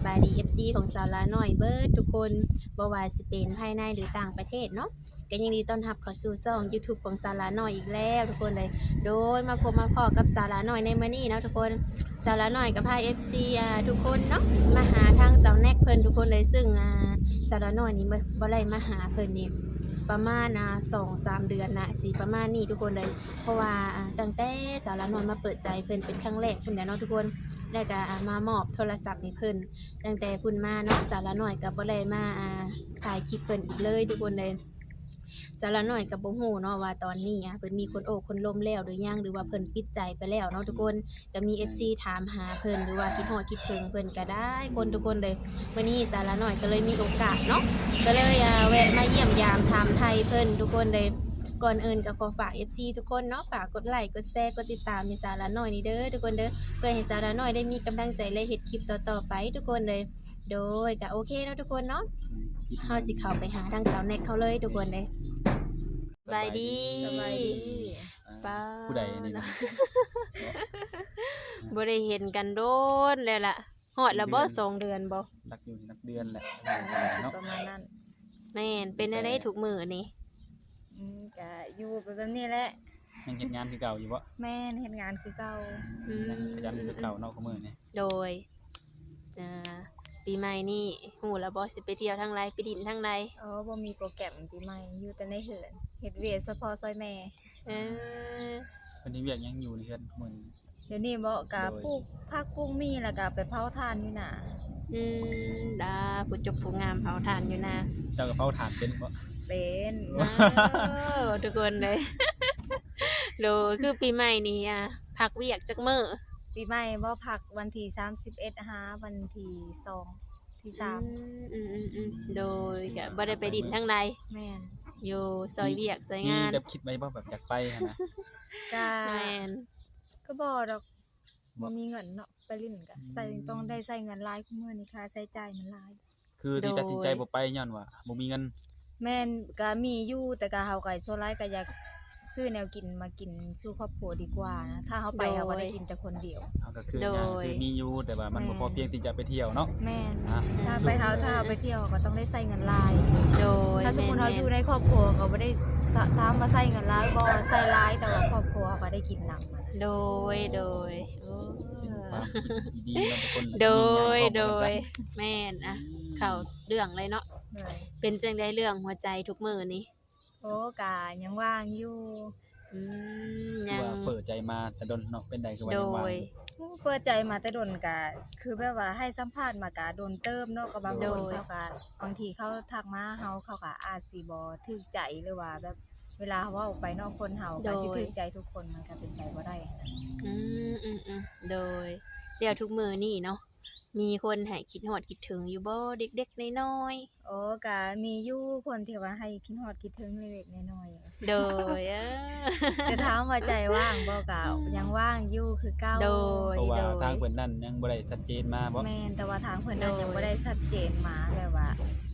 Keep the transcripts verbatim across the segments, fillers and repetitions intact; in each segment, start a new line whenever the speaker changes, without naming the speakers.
บายดี เอฟ ซี ของสาวลาน้อยเบิดทุกคนบ่ว่าสิเป็นภายในหรือต่างประเทศเนาะก็ยินดีต้อนรับเข้าสู่ช่อง YouTube ของสาวลาน้อยอีกแล้วทุกคนเลยโดยมาพบมาพอกับสาวลาน้อยในมื้อนี้เนาะทุกคนสาวลาน้อยกับพา เอฟ ซี อ่าทุกคนเนาะมาหาทางสาวแน็กเพิ่นทุกคนเลยซึ่งอ่าสาวลาน้อยนี่บ่บ่ได้มาหาเพิ่นนี่ประมาณอ่า สองสาม เดือนนะสิประมาณนี้ทุกคนเลยเพราะว่าอ่าตั้งแต่สาวลาน้อยมาเปิดใจเพิ่นเป็นครั้งแรกพุ่นแหละเนาะทุกคนแล้วก็อ่ามามอบโทรศัพท์ให้เพิ่นตั้งแต่พุ่นมาเนาะสาวลาน้อยก็บ่ได้มาอ่าถ่ายคลิปเพิ่นอีกเลยทุกคนเลยสาวลาน้อยก็บ่ฮู้เนาะว่าตอนนี้อ่ะเพิ่นมีคนโอ้คนล้มแล้วหรือยังหรือว่าเพิ่นปิดใจไปแล้วเนาะทุกคนก็มี เอฟ ซี ถามหาเพิ่นหรือว่าคิดฮอดคิดถึงเพิ่นก็ได้คนทุกคนเลยวันนี้สาวลาน้อยก็เลยมีโอกาสเนาะก็เลยอ่าแวะมาเยี่ยมยามถามไทยเพิ่นทุกคนเลยก่อนอื่นก็ขอฝาก เอฟ ซี ทุกคนเนาะฝากกดไลค์กดแชร์กดติดตามให้สาวลาน้อยนี่เด้อทุกคนเด้อเพื่อให้สาวลาน้อยได้มีกำลังใจและเฮ็ดคลิปต่อๆไปทุกคนเลยโดยก็โอเคเนาะทุกคนเนาะเฮาสิเข้าไปหาทางสาวแน็กเขาเลยทุกคนเลยสบายดี
สบายดี
ป้า
ผู้ใดอันนี้นะ
บ่ได้เห็นกันโดนแล้วล่ะฮอดแล้วบ่สองเดือนบ่
รักอยู่นักเดือนแหละเนาะ
ประมาณนั้น
แม่นเป็นอะไรทุกมื้อนี่
อืมก็อยู่ไปแบบนี้แหละ
ยังเฮ็ดงานคือเก่าอยู่บ่
แม่นเฮ็ดงานคือเก่า
ยังพยายามคือเก่าเนาะคือมื้อนี้
โดยอ่าปีใหม่นี่ฮู้แล้วบ่สิไปเที่ยวทางใดไปดินทางใด
อ๋อบ่มีโปรแกรมปีใหม่อยู่แต่ในเฮือนเฮ็ดเวียกเฉพาะซอยแม่
เออ
เพิ่นนี่เวียกยังอยู่ในเฮือนมื้อนี้
เดี๋ยวนี้บ่ก็ปลูกผักปลูกมีแล้วก็ไปเผาถ่านอยู่น่ะ
อืมดาผู้จบผู้งามเผาถ่านอยู่นะ
เจ้าก็เผาถ่านเป็นบ่
เป็น
ว้าวทุกคนเลย โดยคือปีใหม่นี้อ่ะพักเวียกจักมื้อ
ปีใหม่บ่พักวันที่สามสิบเอ็ดหาวันที่สองที่สาม
อืมอืมอืมโดยก็บ่ได้ไปดินทางใด
แม่น
อยู่ซอยเวียกซอย
มี
งาน
แบบคิดไว้บ่แบบอยากไปหั่นนะ
ก็
แม่น
ก็บ่ดอกบ่มีเงินเนาะไปลิ้นก็ใส่ต้องได้ใช้เงินหลายคุมื้อนี้ค่าใช้จ่ายมันหลาย
คือที่ตัดสินใจบ่ไปย้อนว่าบ่มีเงิน
แม่นก็มีอยู่แต่ก็เฮาก็ส่วนหลายก็อยากซื้อแนวกินมากินสู่ครอบครัวดีกว่านะถ้าเฮาไปเฮาก็ได้กินแต่คนเดียว
เฮาก็คือยังคือมีอยู่แต่ว่ามันบ่พอเพียงที่จะไปเที่ยวเนาะ
แม่น
อ่ะ
ถ้าไปเฮาถ้าเฮาไปเที่ยวก็ต้องได้ใช้เงินหลาย
โดย
ถ้าสมมุติเฮาอยู่ในครอบครัวก็บ่ได้สะถามว่าใช้เงินหลายบ่ใช้หลายแต่ว่าครอบครัวเขาก็ได้กินนำ
โดยโดยโอ้
เป็นความคิดที่ดีเนาะทุกคน
โดย
ยิ่งใหญ่
โด
พร้อมกัน
ย
จ้ะ
แม่นอะเข้าเรื่องเลยเนาะ
เลย
เป็นจังได๋เรื่องหัวใจทุกมื้อนี้
โอ้ก็ยังว่างอยู่
อืม
คื
ยั
อง ว่าเปิดใจมาแต่ดนเนาะเป็นใดคือว่า
โด
ยังว่าง
ย
เปิดใจมาแต่ดนก็คือแบบว่าให้สัมภาษณ์มาก็โดนเติมเนาะก็บาง
โด
คน
ย
เขาก็บางทีเขาทักมาเฮาเขาก็อาจสิบ่ถูกใจหรือว่าแบบเวลาเว้าไปเนอกคนเฮาก็สิถูกใจทุกคนมันก็เป็นไปบ่ได้นะ
อืมอืมอืมโดยเดี๋ยวทุกมื้อนี้เนาะมีคนให้คิดฮอดคิดถึงอยู่บ่เด็กๆน้อย
โอ้ก็มีอยู่คนที่ว่าให้คิดฮอดคิดถึงเล็กๆน้อย
ๆโดยเออ
ๆจะถามว่าใจว่างบ่ก็ยังว่างอยู่คือเก่า
โดย
เพราะว่าทางเพิ่นนั่นยังบ่ได้ชัดเจนมาบ่
แม่นแต่ว่าทางเพิ่นนั้น
โดย
ยังบ่ได้ชัดเจนมาแบบว่า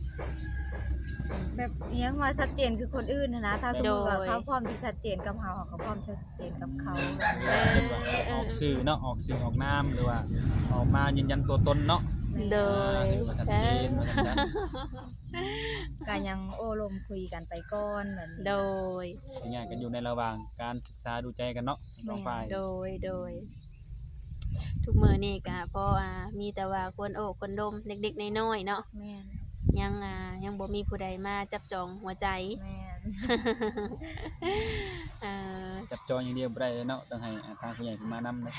แบบอิหยังว่าชัดเจนคือคนอื่นหั้นนะถ้าสมมุติว่าเขาพร้อมที่ชัดเจนกับเราเขาก็พร้อมชัดเจนกับเขา
เช่นว่าออกสื่อเนาะออกสื่อออกนามหรือว่าออกมายืนยันตัวตนเนาะ
โดย
สื่อว่าชัดเจนว่าซั่นซะ
ก็ยังโอ้ลมคุยกันไปก่อนเหมือน
โดย
เป็นไงกันอยู่ในระหว่างการศึกษาดูใจกันเนาะทั้งสองฝ่าย
โดยโดย ทุกมื้อนี้ก็พออ่ามีแต่ว่าคนโอ้คนดมเด็กๆน้อยๆเนาะ
แม่น
ยังอ่ายังบ่มีผู้ใดมาจับจองหัวใจ
แม่น
เอ่อ
จับจองอย่างเดียวบ่ได้เนาะต้องให้ทางผู้ใหญ่ขึ้นมานำนะ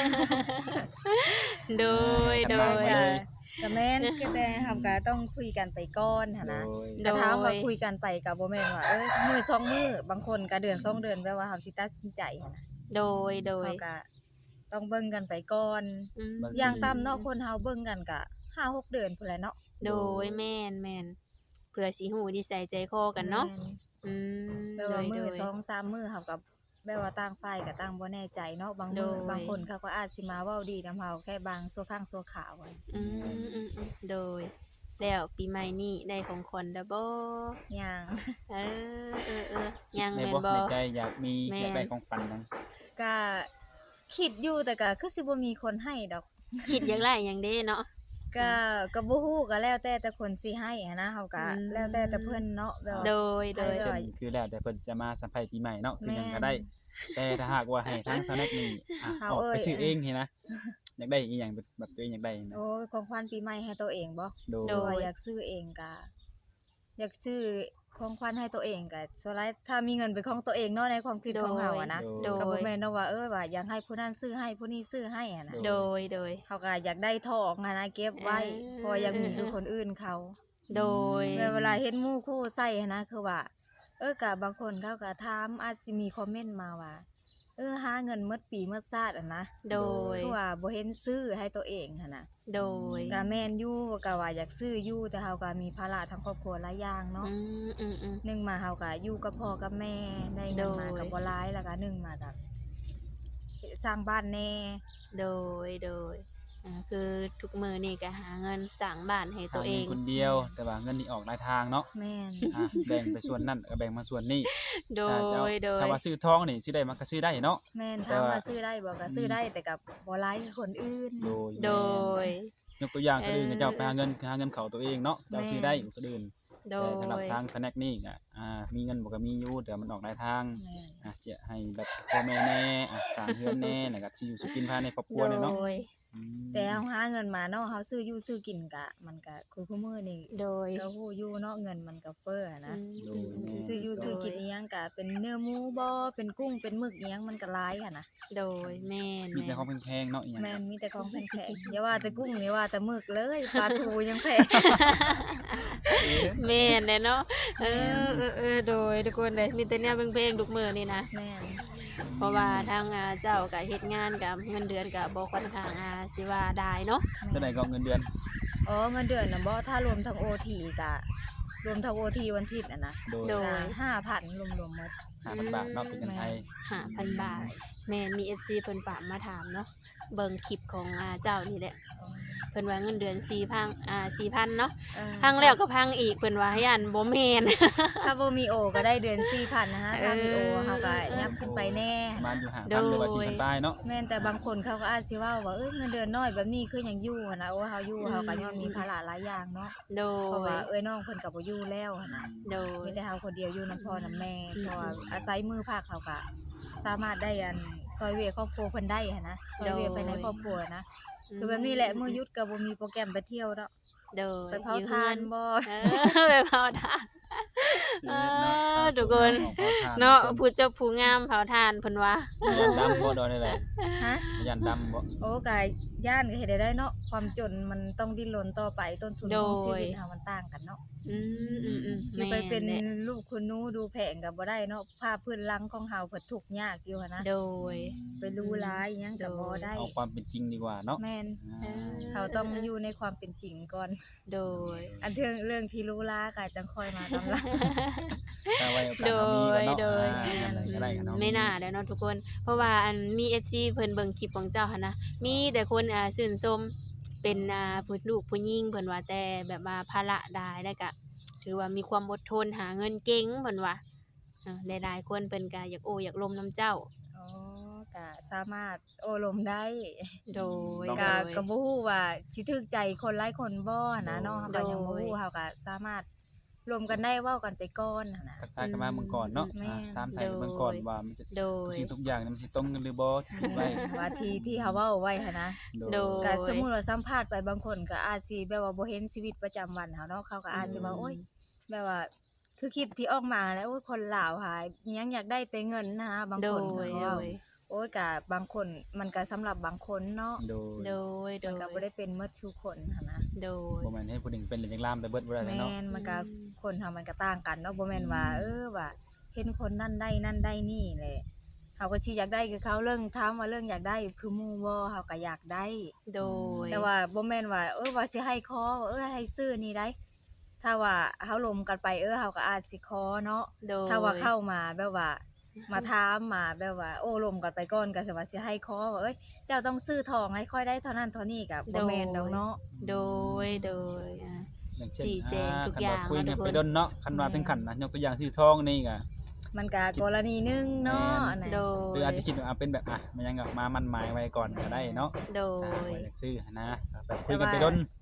โดยโดย
ไปเลย
ก็แม่นก็แต่เฮาก็ต้องคุยกันไปก่อนหันนะ
โดย
แต่ถามว่าคุยกันไปก็บ่แม่นว่าเอ้ยมื้อสองมื้อบางคนก็เดือนสองเดือนแปลว่าเฮาสิตัดสินใจหันนะ
โดยโดย
เฮาก็ต้องเบิ่งกันไปก่อน
อืม
อย่างต่ำเนาะคนเฮาเบิ่งกันก็ห้าหกเดือนพุ่นแหละเนาะ
โดยแม่นแม่นเพื่อสิฮู้นิสัยใจคอกันเนาะ
แม่
อืม
แปล
โด
ว่าย มื้
โด
อย สองสามมื้อเฮาก็แบบว่าต่างฝ่ายก็ต่างบ่แน่ใจเนาะบางมื้อ
โดย
บางคนเขาก็อาจสิมาเว้าดีนำเฮาแค่บางชั่วครั้งชั่วคราวอะ
อืมอืมอืมโดย แล้วปีใหม่นี้ได้ของขวัญแล้วบ่
อย่าง
เออเออเออยัง
ใน
แม่น
บ่
บ่
ในใจอยากมี
แม่น
อยากได้ของฝันนั้น
ก็คิดอยู่แต่ก็คือสิบ่มีคนให้ดอก
คิดอยากได้หยังเด้เนาะ
ก็ก็บ่ฮู้ก็แล้วแต่แต่คนสิให้หั้นนะเฮาก็
อืม
แล้วแต่แต่เพิ่นเนาะแบบว่า
โดยโดย
ให้
เช่นคือแล้วแต่เพิ่นจะมาสัมภาษณ์ปีใหม่เนาะคือหยังก็ได้
แม่น
แต่ถ้าหากว่าให้ทางสแน็คนี่อ่ะ
เอา
ออกไป
เอ้ย
ซื้อเองเห็นนะอยากได้อีหยังแบบแบบตัวเองอยากได้นะ
โอ้ยของขวัญปีใหม่ให้ตัวเองบ่
โดย
โด
ว่าอยากซื้อเองก็อยากซื้อของขวัญให้ตัวเองก็ส่วนหลายถ้ามีเงินเป็นของตัวเองเนาะในความคิดของเฮาอะนะ
โด
ก็บ่
ย
แม่นเนาะว่าเออว่าอยากให้ผู้นั้นซื้อให้ผู้นี้ซื้อให้อะนะ
โดยโดย
เขาก็อยากได้ทองอะนะเก็บไว้
เออ
เพราะว่ายังมีคือคนอื่นเขา
โดย
แล้วเวลาเห็นหมู่คู่ใส่อะนะคือว่า เออก็บางคนเขาก็ถามอาจสิมีคอมเมนต์มาว่า เออหาเงินหมดปีหมดชาติอะนะ
โดย
คือว่าบ่เห็นซื้อให้ตัวเองหั่นน่ะ
โดย
ก็แม่นอยู่ก็ว่าอยากซื้ออยู่แต่เฮาก็มีภาระทางครอบครัวหลายอย่างเนาะ
อืมอืมอืม
หนึ่งมาเฮาก็อยู่กับพ่อกับแม่ได้เงินมา
โดย
ก็บ่หลายแล้วก็หนึ่งมาก็สร้างบ้านแน่
โดยโดยอ่าคือทุกมื้อนี่ก็หาเงินสร้างบ้านให้ตัวเอ
หาง งินคนเดียว แต่ว่าเงินนี่ออกหลายทางเนาะ
แม่น
อ่ะแบ่งไปส่วนนั้นก็แบ่งมาส่วนนี้
โด
ถ้าจะเอา
ยโดย
ถ้าว่าซื้อทองนี่สิได้มันก็ซื้อได้เนาะ
แม่น
แต่
ถาม
ว่า
ว่าซื้อได้บ่ก็ซื้อได้แต่กับบ่หลายคือคนอื่น
โดย
โดย
ยกตัวอย่างคนอื่น
เออ
ก็เจ้าไปหาเงินหาเงินเขาตัวเองเนาะเจ้าซื้อได้อยู่คนอื่น
โด
แต่
ย
สำหรับทางสแน็คนี่ก็อ่ามีเงินบ่ก็มีอยู่แต่มันออกหลายทาง
แม่น
อ่ะจะให้แบบพ่อแม่แน่อ่ะสร้างเรือนแน่แล้วก็สิอยู่สิกินภายในครอบครัวเนี่ยเนาะ
โดย
อืม
แต่เฮาหาเงินมาเนาะเฮาซื้ออยู่ซื้อกินก็มันก็คือคุมื้อนี่
โดย
ก็ฮู้อยู่เนาะเงินมันก็เฟ้ออะนะ
โดยแม่
ซื้ออยู่ซื้อกินอีหยังก็เป็นเนื้อหมูบ่เป็นกุ้งเป็นหมึกอีหยังมันก็หลายอะนะ
โดยแม่น
มีแต่
แม่น
ของแพงๆเนาะอีหยัง
แม่นมีแต่ของแพงๆอย่าว่าแต่กุ้งอย่าว่าแต่หมึกเลยปลาทูยังแพง
แม่นแหละเนาะเออเออเออโดยทุกคนเลยมีแต่แนวเพลงๆทุกมื้อนี่นะ
แม่น
เพราะว่าทางอ่าเจ้าก็เฮ็ดงานกับเงินเดือนก็บ่ค่อนข้างอ่าสิว่าได้เนาะ
เท่าใดก็เงินเดือน
อ๋อเงินเดือนน่ะบ่ถ้ารวมทั้ง โอ ที ก็รวมทั้ง โอ ที วันอาทิตย์น่ะนะ
โดย
โดย
ก็ห้าพันรวมๆหมด
ห้าพันบาทเนาะเป็นเงินไทย
ห้าพันบาท แม่นมี เอฟ ซี เพิ่นฝากมาถามเนาะเบิ่งคลิปของอ่าเจ้านี่แหละเพิ่นว่าเงินเดือนสี่พันอ่าสี่พันเนาะ
เออ
พังแล้วก็พังอีกเพิ่นว่าย่านบ่แม่น
ถ้าบ่มีโอก็ได้เดือนสี่พันนะคะถ้ามีโอ
เออ
เฮาก็ยับขึ้นไปแน่
ประมาณอยู่ห้า
โด
พัน
ย
หรือว่าสี่พันบาทเนาะ
แม่นแต่บางคนเขาก็อาจสิเว้าว่าเอ้ยเงินเดือนน้อยแบบนี้คือหยังอยู่หันนะโอ้เฮาอยู่เฮาก็ย้อนมีภาระหลายอย่างเนาะ
โด
เพราะ
ย
ว่าเอ้ยน้องเพิ่นก็บ่อยู่แล้วหันนะ
โดย
มีแต่เฮาคนเดียวอยู่นํพ่อนำแม่
อืม
เพราะว่าอาศัยมือภาคเขาก็สามารถได้อันซอยเวยครอบครัวเพิ่นได้หันนะซอยเวยไปในครอบครัวนะคือแบบนี้แหละมื้อหยุดก็บ่มีโปรแกรมไปเที่ยวเนาะ
โดย
ไปเผา
อยู่
ทาน
เฮือ
บ่
เออ ไปเผาทาน เออทุกคน
ออกมาท
เนาะผู้เจ้าผู้งามเผาทานเพิ่นว่า
ยันดำบ่โดนได้แหละ
ฮะ
ยันดำบ่
โอ้กายย่านก็เฮ็ดได้เนาะความจนมันต้องดิ้นรนต่อไปต้นทุนของชีวิตเฮามันต่างกันเนาะ
อืมอืมอืม
สิไปเป็น
แม่แหละ
ลูกคุณหนูดูแผงก็บ่ได้เนาะภาพพื้นหลังของเฮาเพิ่นทุกข์ยากอยู่หันนะ
โดย
ไปรู้ร้ายอิหยังก็บ่ได้
เอาความเป็นจริงดีกว่าเนาะ
แม่น
อ่า
เขาต้องอยู่ในความเป็นจริงก่อน
โดย
อันเรื่องเรื่องที่รู้ล้าก็จังค่อยมาตำลัง
ถ้าไว้โอกาสเรามีกันเนาะ
โดย
อ่าอะไรก็ได้กันเนาะ
ไม่น่าแล้วเนาะทุกคน เพราะว่าอันมี เอฟ ซี เพิ่นเบิ่งคลิปของเจ้าหั่นนะมีแต่คนอ่าชื่นชมเป็นอ่าผู้ลูกผู้หญิงเพิ่นว่าแต่แบบว่าภาระได้แล้วก็ถือว่ามีความอดทนหาเงินเก่งเพิ่นว่าเออหลายๆคนเพิ่นก็อยากโอ้อยากลมน้ำเจ้า
อ๋อก็สามารถโอ้ลมได้
โดย
ก็
โดย
ก็บ่ฮู้ว่าสิถึกใจคนหลายคนบ่นะเนาะ
โด
ก็
ย
ยังบ่ฮู้เฮาก็สามารถรวมกันได้เว้ากันไปก่อนหั้นนะ
ทักทายกันมาเมืองก่อนเนาะ
แม่
อ่าตามไทยเมืองก่อนว่ามันจะ
โด
ทุก
ย
สิ่งทุกอย่างเนี่ยมันสิตรงกันหรือบ่ไว้
ว่าที่ที่เฮาเว้าไว้หั้นนะ
โดย
ก็สมมุติว่าสัมภาษณ์ไปบางคนก็อาจสิแบบว่าบ่เห็นชีวิตประจำวันเฮาเนาะเขาก็อาจสิว่าโอ๊ยแบบว่า คือคลิปที่ออกมาแล้วโอ๊ยคนลาวหายอิหยังอยากได้แต่เงินนะบาง
โด
คน
ย
เขา
โด
ว่าย โอ๊ยก็บางคนมันก็สำหรับบางคนเนาะ
โดย
โดยโด
มัน
ย
ก็บ่ได้เป็นหมดทุกคนหั้นนะ
โดย
บ่แม่นให้ผู้หนึ่งเป็นหรือจังลามไปเบิดบ่ได้
แม่
เนาะ
นมันก็
อืม
คนเฮามันก็ต่างกันเนาะบ่แม่นว่า เออว่าเห็นคนนั่นได้นั่นได้นี่แหละเขาก็สิอยากได้คือเขาเรื่องถามว่าเรื่องอยากได้คือหมู่บ่เขาก็อยากได้
โดย
แต่ว่าบ่แม่นว่าเออว่าสิให้ขอว่าเออให้ซื้อนี่ได้ ถ้าว่าเฮาลมกันไปเออเฮาก็อาจสิขอเนาะ
โดย
ถ้าว่าเข้ามาแบบว่า มาถามมาแบบว่า โอ้ลมกันไปก่อนก็สิว่าสิให้ขอว่าเอ้ยเจ้าต้องซื้อทองให้ค่อยได้เท่านั้นเท่านี้ก็บ่แม่นดอกเนาะ
โดยโดยอ่ะ
อย่างเช่น
ชี้แจงทุก
คัน
อย่าง
ว่าคุยกัน
เนาะทุกคน
ไปดนเนาะคันว่าถึงขั้นนะยกตัวอย่างซื้อทองนี่ก็
มันก็กรณีหนึงเนาะอันนั้น
โด
หรื
ย
ออาจจะคิดว่าอ่ะเป็นแบบอ่ะมันยังแบบมามันหมายไว้ก่อนก็ได้เนาะ
โด
อ่า
ย
ว่าอยากซื้อนะแบบคุยกันไปดน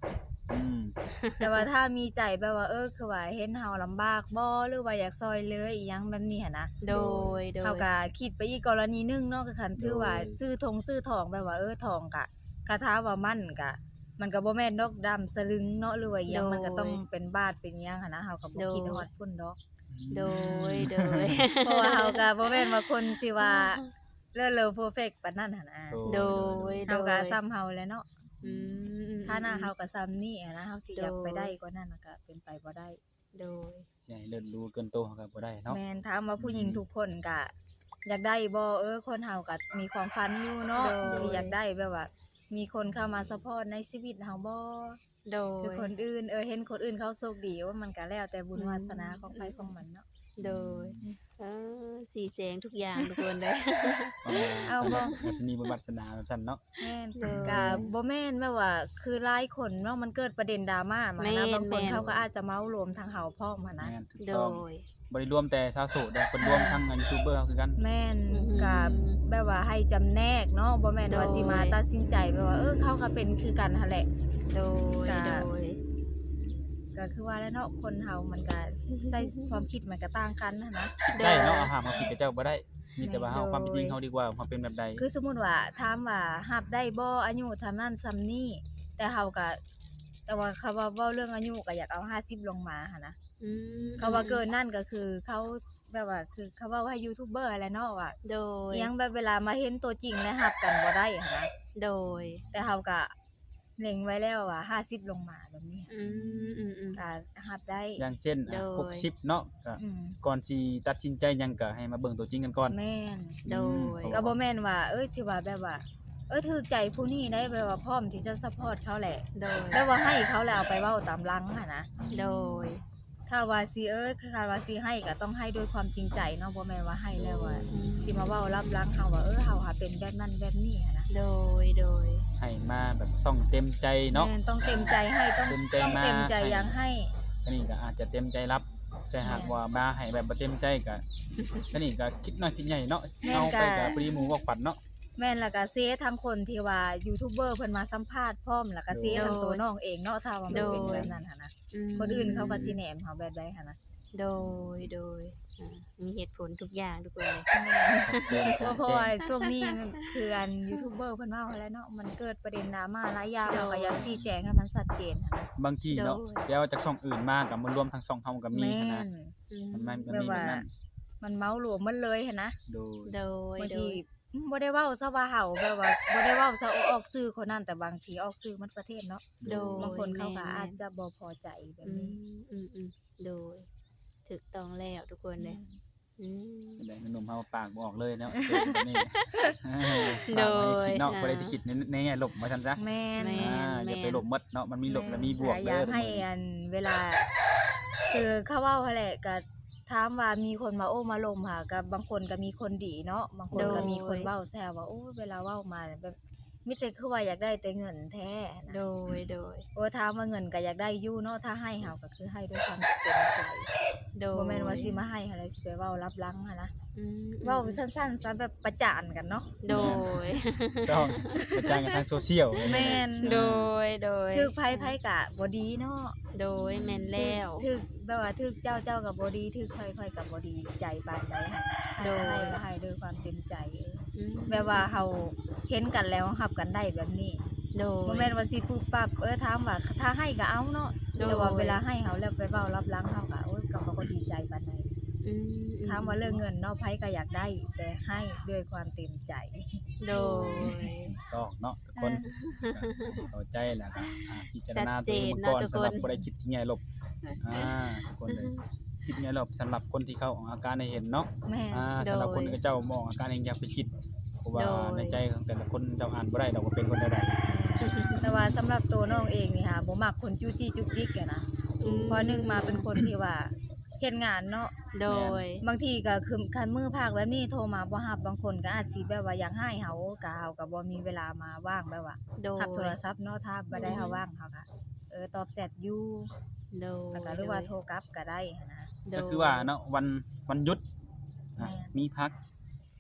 อืม
แต่ว่าถ้ามีใจแบบว่าเออคือว่าเห็นเฮาลำบากบ่หรือว่าอยากซอยเหลืออีหยังแบบนี้หันนะ
โดยโด
เฮาย ก็คิดไปอีกกรณีหนึงเนาะก็คันถือว่าซื้อทงซื้อทองแบบว่าเออทองก็คาถาว่ามั่นก็มันก็บ่แม่นดอกดำสลึงเนาะหรือว่าอีหยังมันก็ต้องเป็นบาทเป็นหยังหันนะเฮาก็บ่คิดฮอดพุ่นดอก
โดยโดย
เพราะว่าเฮาก็บ่แม่นว่าคนสิว่าเลิศเลอเพอร์เฟกต์ปานนั้นหั่นนะ
โดย
เฮาก็ซ้ำเฮาแหล้วเนาะ
อืม
ถ้าหน้าเฮาก็ซ้ำนี่อะนะเฮาสิอยาก
โดย
ไปได้กว่านั้นน่ะก็เป็นไปบ่ได้
โดย
สิให้เลิศรู้เกินโตเขาก็บ่ได้เนาะ
แม่นถามว่าผู้หญิงทุกคนก็อยากได้บ่เออคนเฮาก็มีความฝันอยู่เนาะ
โดย
ที่อยากได้แบบว่า มีคนเข้ามาซัปพอร์ตในชีวิตเฮาบ่
โด
คือย คนอื่นเออเห็นคนอื่นเขาโชคดีว่ามันก็แล้วแต่บุญวาสนาของใครของมันเนาะ
โดยเออสีแจงทุกอย่างทุกคนเลย
เอาบ่
วาสนีบุญวาสนาแบบนั้นเนาะ
แม่น
โดย
ก็บ่แม่นแบบว่า คือหลายคนเนาะมันเกิดประเด็นดราม่ามา
แม่
นะ
น
บางคน
แม่น
เขาก็อาจจะเมารวมทางเฮาพร้อมหันนะ
แม่นถูก
โด
ต้อง
ย
บ่ได้รวมแต่ชาวโสดเด้อเพิ่นรวมทั้งยูทูบเบอร์เขาคือกัน
แม่น
อือหือ
ก็แบบว่าให้จำแนกเนาะบ่แม่นว่า
โดย
สิมาตัดสินใจแบบว่าเออเขาก็เป็นคือกันหั่นแหละ
โดย
ก็
โดย
ก็คือว่าแล้วเนาะคนเฮามันก็ใช้ความคิดมันก็ต่างกันหันนะ
คิดได้เนาะเอาหามมาผิดกับเจ้าบ่ได้ มีแต่ว่าเฮา
โดย
ความเป็นจริงเฮาดีกว่าความเป็นแบบใด
คือสมมุติว่าถามว่ารับได้บ่อายุเท่านั้นส่ำนี้แต่เฮาก็แต่ว่าเขาว่าเว้าเรื่องอายุก็อยากเอาห้าสิบลงมาหั่นนะ
อืม
เขาว่าเกินนั่นก็คือเขาแบบว่าคือเขาว่าว่ายูทูบเบอร์อะไรเนาะว่า
โดย
อิหยังแบบเวลามาเห็นตัวจริงแล้วรับกันบ่ได้หันนะ
โดย
แต่เฮาก็เล็งไว้แล้วว่าห้าสิบลงมาแบบนี้
อืมอืมอืม
ก็รับได้
อย่างเช่นอ่ะ
โดย
หกสิบเนาะก็
อืม
ก่อนสิตัดสินใจหยังก็ให้มาเบิ่งตัวจริงกันก่อน
แม่น
โดย
อืม
ก็บ่แม่นว่า เอ้ยสิว่าแบบว่า เอ้ยถูกใจผู้นี้ได้แบบว่าพร้อมที่จะซัปพอร์ตเขาแหละ
โดย
แล้วว่าให้เขาแล้วเอาไปเว้าตามหลังหั่นนะ
โดย
ถ้าว่าสิเอ้ยถ้าว่าสิให้ก็ต้องให้ด้วยความจริงใจเนาะบ่แม่นว่าให้แล้วว่า
อืม
สิมาเว้ารับหลังเฮาว่าเออเฮาหาเป็นแบบนั้นแบบนี้หันนะ
โดย โดย
ให้มาแบบต้องเต็มใจเนาะ
แม่นต้องเต็มใจให้ต้อง
เต็มใจ
ต้อง
มา
เต็มใจอยังให้
อันนี้ก็อาจจะเต็มใจรับ แต่หากว่ามาให้แบบบ่เต็มใจก็อันนี้ก็คิดน้อยคิดใหญ่เนาะ
แม่น
เอาไป
ก็
ก็ปรีหมูบอกปัดเนาะ
แม่นแล้วก็เซทั้งคนที่ว่ายูทูบเบอร์เพิ่นมาสัมภาษณ์พร้อมแล้วก็เซทั้งตัวน้องเองเนาะถ้าว่ามันเป็นแบบนั้นหั่นนะ
อืม
คนอื่นเขาก็สิแหนมเฮาแบบใดหั่นนะ
โดย โดยอ่ามีเหตุผลทุกอย่างทุกคนเลย
เพราะเพราะว่าช่วงนี้มันคืออันยูทูบเบอร์เพิ่นว่าแล้วเนาะมันเกิดประเด็นดราม่าหลายอย่างเราก็อยากชี้แจงให้มันชัดเจนหั่นนะ
บางทีเนาะ
โดย
เดี๋ยวจากช่องอื่นมากับมารวมทั้งช่องเฮาก็มี
แม่
หั้นนะ
น
อืม
มันมันมัน
แบบ
มีแบ
ว่า
บนั้น
มันเมารวมมันเลยหั่นนะ
โดย
โดย
บาง
โด
ที
ย
อืมบ่ได้เว้าซะว่าเฮาแบบว่าบ่ได้เว้าซะออกสื่อคนนั้นแต่บางทีออกสื่อมันประเทศเนาะ
โดย
บางคนเขาก็
แม่น
อาจจะบ่พอใจแบบ
อื
นี้
มอืมอืมโดยถูกต้องแล้วทุกคนเลยอืม
แต่หนุ่มเฮาปากบ่ออกเลยเนาะเจอแบบ นี้
โดย
ฝากไว้คิดเนาะ
อ่า
บ่ได้ที่คิดในในแง่ลบว่าซั่นซะ
แม่น
แม่
อ่าอย่าไปลบหมดเนาะมันมีลบและมีบวก
อ
เด้
ยา
อก
ให้อันเวลา คือเขาเว้าหั่นแหละก็ถามว่ามีคนมาโอ้มาลมค่ะกับบางคนก็มีคนดีเนาะบางคนก็มีคนเว้าแซวว่าโอ้เวลาเว้ามาแบบมีแต่คือว่าอยากได้แต่เงินแท้นะ
โดย โดย
โอ้ถามว่าเงินก็อยากได้อยู่เนาะถ้าให้เฮาก็คือให้ด้วยความเต็มใจ
โดย
บ่แม่นว่าสิมาให้อะไรสิไปเว้ารับหลังหันนะ
อืม
เว้าสั้นๆซะแบบประจานกันเนาะ
โดย
ต้องกระจายกันทางโซเชียล
แม่น
โดย โดย
ถึกไผไผก็บ่ดีเนาะ
โดยแม่นแล้ว
ถึกแบบว่าถึกเจ้าเจ้าก็บ่ดีถึกค่อยๆก็บ่ดีใจปานใดหั่น
โดย
ให้ก็ให้ด้วยความเต็มใจเออ
อืม
แบบว่าเฮาเห็นกันแล้วรับกันได้แบบนี้
โดย
บ่แม่นว่าสิปุ๊บปั๊บเออถามว่าถ้าให้ก็เอาเนาะ
โดย
แต่ว่าเวลาให้เฮาแล้วไปเว้ารับหลังเฮาก็โอ้ยก็บ่ก็ดีใจปานใด
อืม
ถามว่าเรื่องเงินเนาะไผก็อยากได้ แต่ให้ด้วยความเต็มใจ
โดย
ต้องเนาะทุกคนเข้าใจแหละครับอ่าพิจารณา
ชัด
ตั
เจ
วเอน ง
เนาะ
ก่อน
ทุกคน
สำหรับบ่ได้คิดที่แง่ลบอ่าทุกคนเลยคิดแง่ลบสำหรับคนที่เขาออกอาการให้เห็นเนาะ
แม่
อ่าสำหรับคนที่เจ้ามองอาการเองอยากไปคิดเพราะว่า
โดย
ในใจของแต่ละคนเจ้าอ่านบ่ได้ดอกว่าเป็นคนใด
แต่ว่าสำหรับตัวน้องเองนี่ค่ะบ่มักคนจู้จี้จุกจิกอะนะ
อืม
เพราะหนึงมาเป็นคนที่ว่าเฮ็ดงานเนาะ
โดย
บางทีก็คือคันมือภาคแบบนี้โทรมาบ่รับบางคนก็อาจสิแบบว่าอยากให้เฮาก็เฮาก็บ่มีเวลามาว่างแบบว่า
โดย
รับโทรศัพท์เนาะถ้าบ่ได้เฮาว่างเฮาก็เออตอบแชทอยู่
โดย
แล้วก็หรือว่าโทรกลับก็ได้หั้นนะ
ๆก็คือว่าเนาะวันวันหยุดอ่ะ
แม่น
มีพัก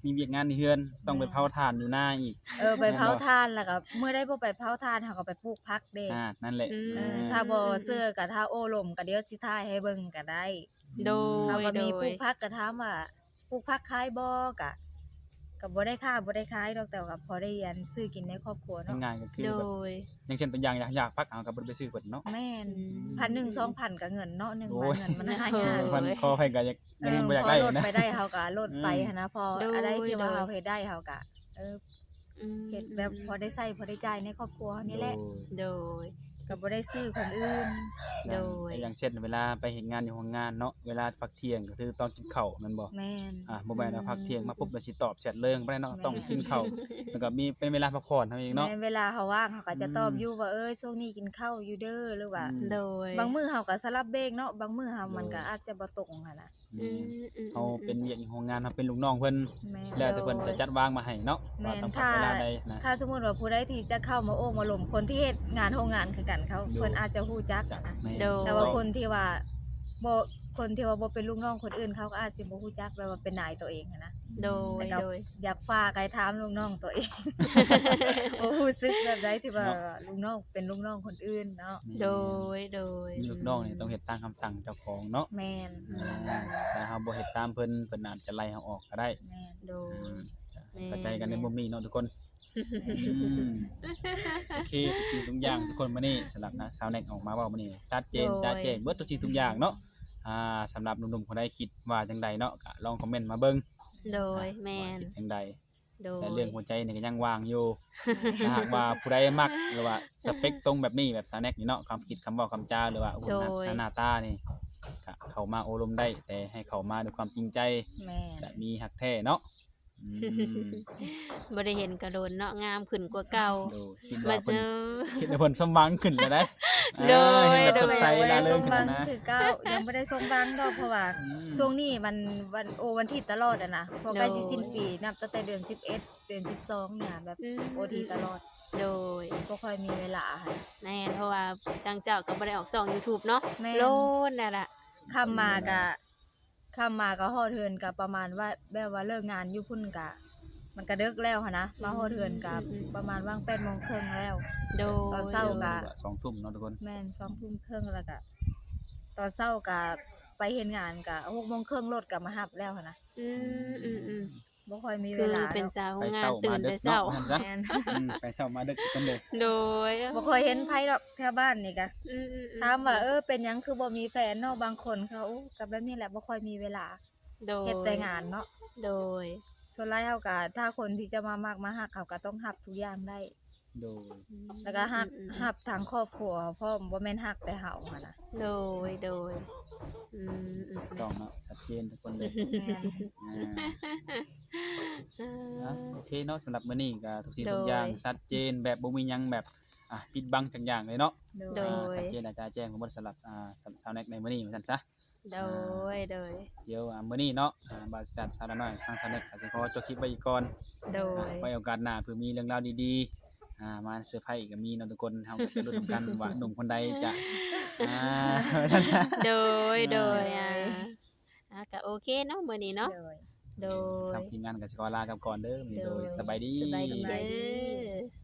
มีเวียกงานในเฮือนต้องไปเผาถ่านอยู่หน้าอีก
เออไปเผาทานแล้วก็เมื่อได้บ่ไปเผาทานเฮาก็ไปปลูกผักเด้
อ่านั่นแหละ
อืม
เออถ้าบ่เสื้อก็ถ้าโอ้ลมก็เดี๋ยวสิถ่ายให้เบิ่งก็ได้
โด
เฮาย ก็
โด
มีปลู
ย
กผักก็ถามว่าปลูกผักขายบ่ก็ก็บ่ได้ค่าบ่ได้ขายดอกแต่ว่าพอได้อันซื้อกินในครอบครัวเนาะ
ง่ายๆก็คือ
โด
แบบ
ย
อย่างเช่นเป็นอย่างอยากอยากพักเอาก็บ่ได้ไปซื้อเพิ่นเนาะ
แม่น
อืม
พันหนึ่ง สองพันก็เงินเนาะหนึ่ง
โอ้
วัน
ย
เงินมันหา
โอ้
ยาก
มันพอให้ก็อยาก
เอ
ยัง
อ
บ่อยาก
พ
ได้
อลด
นะ
ไปได้เฮาก็ลดไป
อืม
หันนะพอ
โดย
อะไรที่ว่า
โดย
เฮาเฮ็ดได้เฮาก็เออ
อืม
เฮ็ดแบบพอได้ใช้พอได้จ่ายในครอบครัวนี่แหละ
โดย
ก็บ่ได้ซื้อคนอื่น
โดย
อย่างเช่นเวลาไปเฮ็ดงานอยู่โรงงานเนาะเวลาพักเที่ยงก็คือตอนกินข้าวแม่นบ่
แม่น
อ่าบ่แม่นว่าพักเที่ยงมาปุ๊บแล้วสิตอบแชทเลิงบ่ได้เนาะ
แม่น
ต้องกินข้าวแล้วก็มีเป็นเวลาพักผ่อนเท่านั้นเองเนาะ
แม่นเวลาเฮาว่างเฮาก็จะตอบ
อืม
อยู่ว่าเอ้ยช่วงนี้กินข้าวอยู่เด้อหรือว่า
อืม
โดย
บางมื้อเฮาก็สลับเบรกเนาะบางมื้อเฮามัน
โดย
ก็อาจจะบ่ตรงหันน่ะ
อืมอืม
เฮาเป็นเวียกอยู่โรงงานเฮาเป็นลูกน้องเพิ่น
แม่น
แล้วแต่เพิ่นจะจัดวางมาให้เนาะ
แม่
ว่าน ต้องพัก
ถ้า
เวลาใดนะ
ถ้าสมมุติว่าผู้ใดที่จะเข้ามาโอ้มาหลมคนที่เฮ็ดงานโรงงานคือกันเขา
โดย
เพิ่นอาจจะฮู้จัก
จัด
นะ
แม่
โดย
แต่ว่าคนที่ว่าบ่คนที่ว่าบ่เป็นลูกน้องคนอื่นเขาก็อาจสิบ่ฮู้จักแบบว่าเป็นนายตัวเองหั้นนะ
โดย
แต่ก็
โดย
อยากฝากให้ถามลูกน้องตัวเอง บ่รู้สึกแบบใดที่ว่าลูกน้องเป็นลูกน้องคนอื่นเนาะ
โดย โดย
มีลูกน้องนี่ต้องเฮ็ดตามคำสั่งเจ้าของเนาะ
แม่น
อ่าถ้าเฮาบ่เฮ็ดตามเพิ่นเพิ่นอาจจะไล่เฮาออกก็ได้
แม่น
โดย แม่
เข้าใจกันในมุมนี้เนาะทุกคนอืมโอเคทุกสิ่งทุกอย่างทุกคนมื้อนี้สำหรับนะสาวแน็กออกมาเว้ามื้อนี้ชัดเจน
โดย
ชัดเจนเบิดทุกสิ่งทุกอย่างเนาะอ่าสำหรับหนุ่มๆคนใดคิดว่าจังใดเนาะก็ลองคอมเมนต์มาเบิ่ง
โดย แม
ว่าน คิดจังใด
โดย
แต่เรื่องหัวใจนี่ก็ยังว่างอยู่ถ้าหากว่าผู้ใดมักหรือว่าสเปคตรงแบบนี้แบบสาวแน็กนี่เนาะความคิดคำเว้าคำจาหรือว่าโอ้โหหน้า
โดย
หน้าตานี่ก็เข้ามาโอลมได้ แต่ให้เข้ามาด้วยความจริงใจ
แม่น
จะมีหักแท้เนาะอืม
บ่ได้เห็นกระโดนเนาะงามขึ้นกว่าเก่า
ดูคิด
มา
ว่า
เจ
เพิ่น
อ
คิดว่าเพิ่นสมหวังขึ้นแล้วนะ
โดย
เห็นแบบ
โดย
สดใส
บ่
ล่า
ได้
เริ
ส
ง
ม
ขึ้น
บัง
แล้วนะ
คือเก้ายังบ่ได้สมบังดอกเพราะว่า
อืม
ช่วงนี้มันวันโอวันที่ตลอดอะนะพอใกล้สิสิ้นปีนับตั้งแต่เดือนสิบเอ็ดเดือนสิบสองเนี่ยแบบ
อืม
โอทีตลอด
โดย
บ่ค่อยมีเวลาค่ะ
แม่นเพราะว่าจังเจ้าก็บ่ได้ออกช่อง YouTube เนาะ
แม่น
โลนนั่นล่ะ
ค่ำมาก็ค่ำมาก็ฮอดเทือนก็ประมาณว่าแบบว่าเลิกงานอยู่พุ่นก็มันก็ดึกแล้วหันนะมาฮอดเทือนก็ประมาณว่างแปดโมงครึ่งแล้ว
โดย
ตอนเช้า ก็
สองทุ่มเนาะทุกคน
แม่นสองทุ่มครึ่งแล้วก็ตอนเช้าก็ไปเฮ็ดงานก็หกโมงครึ่งรถก็มารับแล้วหันนะ
อืมอืมอืม
บ่ค่อยมี
คื
เว
อ
ลา
เป็น
ดอก
สาว
ไป
งา
เช้าน
ตื่
มาน ดึ
แต่
ก
เช้า
เนาะนั่นซะ
แม่น
อืมไปเช้ามาดึกกันเลย
โดย
บ่ค่อยเห็นไผดอกแถวบ้านนี่ก็
อืมอืมอื
ถามว่าเออเป็นหยังคือบ่มีแฟนเนาะบางคนเขาก็แบบนี้แหละบ่ค่อยมีเวลา
โดย
เฮ็ดแต่งานเนาะ
โดย
ส่วนหลายเฮาก็ถ้าคนที่จะมามักมาฮักเขาก็ต้องฮับทุกอย่างได้
โดย
แล้วก็ฮับ
อืมอืม
ฮับทางครอบครัวพร้อมบ่แม่นฮักแต่เฮาหันน่ะ
โดย โดย อืมอืม
ต้องเนาะชัดเจนทุกคนเลย
แม่น
อ่า
อ่า
อ่ะโอเคเนาะสำหรับมื้อนี้ก็ทุกสิ่ง
โดย
ทุกอย่างชัดเจนแบบบ่มีหยังแบบอ่ะปิดบังจักอย่างเลยเนาะ
โดย
อ่าชัดเจนอาจารย์แจ้งของบทสำหรับอ่าสาวแน็กในมื้อนี้เหมือนกันซะ
โดย โดย
เดี๋ยวอ่ามื้อนี้เนาะอ่าบาสิดัดสาวน้อยทางสาวแน็กก็สิขอจบคลิปไว้อีกก่อน
โด
อ่าย ไว้โอกาสหน้าเผื่อมีเรื่องราวดีๆอ่ามาเซอร์ไพรส์อีกก็มีเนาะทุกคนเฮาก็จะรู้นำกัน ว่าหนุ่มคนใดจะอ่า
โดย โดย อ่าอ่ะก็โอเคเนาะมื้อนี้เนาะ
โดย
โดย
ทางทีมงานก็สิขอลากันก่อนเด้อมื้อนี้โดยสบายดี
สบายดี
สบาย
เด้
ดี
อ